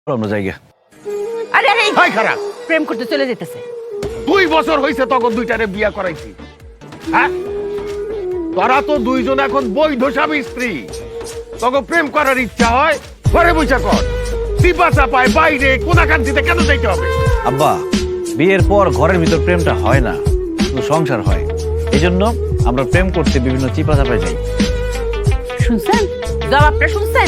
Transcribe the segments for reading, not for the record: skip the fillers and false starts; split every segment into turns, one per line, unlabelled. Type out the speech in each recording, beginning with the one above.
আমরা জায়গা।
আরে আরে
হাই খারাপ
প্রেম করতে চলে যেতেছে।
2 বছর হইছে তখন দুইটারে বিয়া করাইছি। হ্যাঁ, তোরা তো দুইজন এখন বৈধ স্বামী স্ত্রী। তখন প্রেম করার ইচ্ছা হয় ঘরে বসে কর, চিপা চাপায় বাইরে কোনাকান্তিতে কেন যাইতে হবে?
আব্বা, বিয়ের পর ঘরের ভিতর প্রেমটা হয় না, শুধু সংসার হয়। এজন্য আমরা প্রেম করতে বিভিন্ন চিপা চাপায় যাই।
শুনছেন জবাবটা? শুনছেন?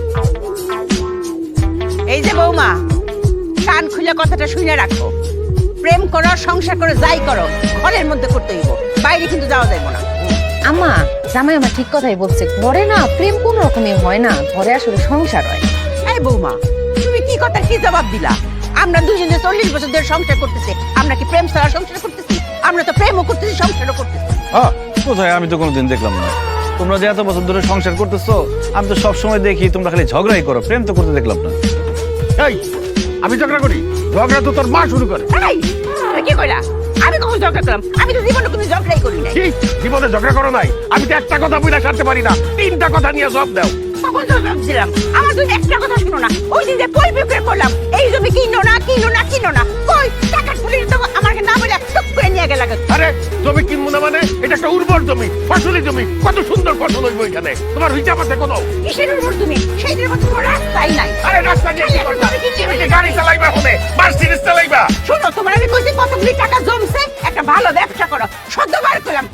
এই যে বৌমা, কান খুলে কথাটা শুনে রাখো। প্রেম করো, সংসার করো, যাই করো ঘরের মধ্যে করতে হইব, বাইরে কিন্তু যাওয়া যাইব না।
আম্মা, জামাই আমার ঠিক কথাই বলছে। ঘরে না প্রেম কোন রকমই হয় না, ঘরে আসলে সংসার হয়।
এই বৌমা, তুমি কি কথা কি জবাব দিলা? আমরা দুজনে 40 বছর ধরে সংসার করতেছি, আমরা কি প্রেম ছাড়া সংসার করতেছি? আমরা তো প্রেমও করতেছি, সংসারও করতেছি।
হ্যাঁ, কোথায়? আমি তো কোনোদিন দেখলাম না। তোমরা যে এত বছর ধরে সংসার করতেছো, আমি তো সব সময় দেখি তোমরা খালি ঝগড়াই করো, প্রেম তো করতে দেখলাম না।
এই, আমি ঝগড়া করি? ঝগড়া তো তোর মা শুরু করে।
এই, তুমি কি কইলা? আমি কখন ঝগড়া করলাম? আমি তো জীবনে কোনো ঝগড়াই করি নাই।
কি জীবনে ঝগড়া করো নাই? আমি তো একটা কথা বুঝা সারতে পারি না, 3টা কথা নিয়ে জবাব দাও।
কখন জবাব দিলাম? আমার তুমি একটা কথা শুনো না। ওই দিন যে কই বিক্রি করলাম, এই জমি কিনো না কিনো না কিনো না, কই টাকা তুলে তো আমাকে না বলে টুক করে নিয়ে গেল।
আরে জমি কিনবো না মানে? এটা একটা উর্বর জমি, ফসলি জমি, কত সুন্দর ফসল হইব এখানে। তোমার হিসাব আছে কোনো?
কিসের উপর তুমি? সেই দিনের মতো কোনো রাস্তাই নাই।
আরে রাস্তা দিয়ে কি করবা? তুমি কি গাড়ি চালাইবা? হবে মার্সিডিজ চালাইবা?
শোনো, তোমার আমি কইছি কতগুলি টাকা জমছে, একটা ভালো ব্যবসা করো। সদ্যবার করলাম